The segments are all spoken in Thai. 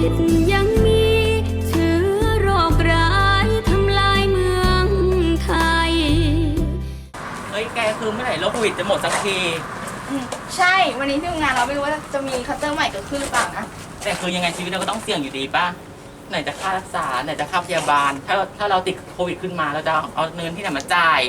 ดยังมีเชื้อโรคร้ายทำลายเมืองไทยเฮ้ยแกคือเมื่อไหร่โรคโควิดจะหมดสักทีใช่วันนี้ที่ทำงานเราไม่รู้ว่าจะมีคัตเตอร์ใหม่เกิดขึ้นหรือเปล่านะแต่คือยังไงชีวิตเราก็ต้องเสี่ยงอยู่ดีป่ะไหนจะค่ารักษาไหนจะค่าพยาบาลถ้าเราติดโควิดขึ้นมาเราจะเอาเงินที่ไหนมาจ่าย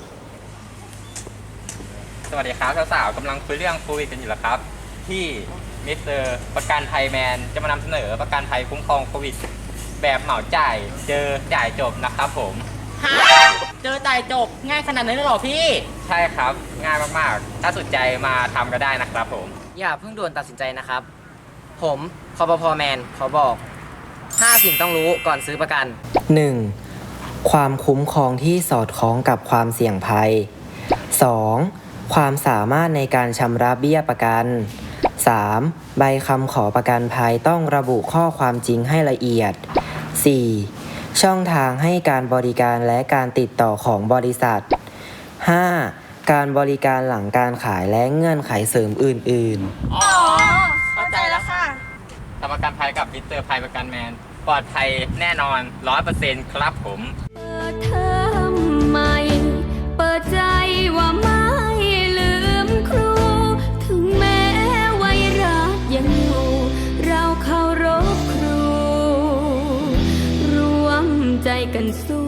สวัสดีครับสาวๆกำลังคุยเรื่องโควิดกันอยู่แล้วครับที่มิสเตอร์ประกันภัยแมนจะมานำเสนอประกันภัยคุ้มครองโควิดแบบเหมาจ่ายเจอจ่ายจบนะครับผมฮะเจอจ่ายจบง่ายขนาดนั้นเลยเหรอพี่ใช่ครับง่ายมากๆถ้าสนใจมาทำก็ได้นะครับผมอย่าเพิ่งด่วนตัดสินใจนะครับผมคปภ.แมนขอบอก5 สิ่งต้องรู้ก่อนซื้อประกัน 1. ความคุ้มครองที่สอดคล้องกับความเสี่ยงภัย 2. ความสามารถในการชำระเบี้ยประกัน 3. ใบคำขอประกันภัยต้องระบุข้อความจริงให้ละเอียด 4. ช่องทางให้การบริการและการติดต่อของบริษัท 5. การบริการหลังการขายและเงื่อนไขเสริมอื่นๆอ๋อเข้าใจแล้วค่ะทำประกันภัยกับมิสเตอร์ภัยประกันแมนปลอดภัยแน่นอน 100% ครับผมเปิดเทอมใหม่เปิดใจว่าไม่ลืมครูถึงแม้ไวรัสยังอยู่เราเคารพครูรวมใจกันสู้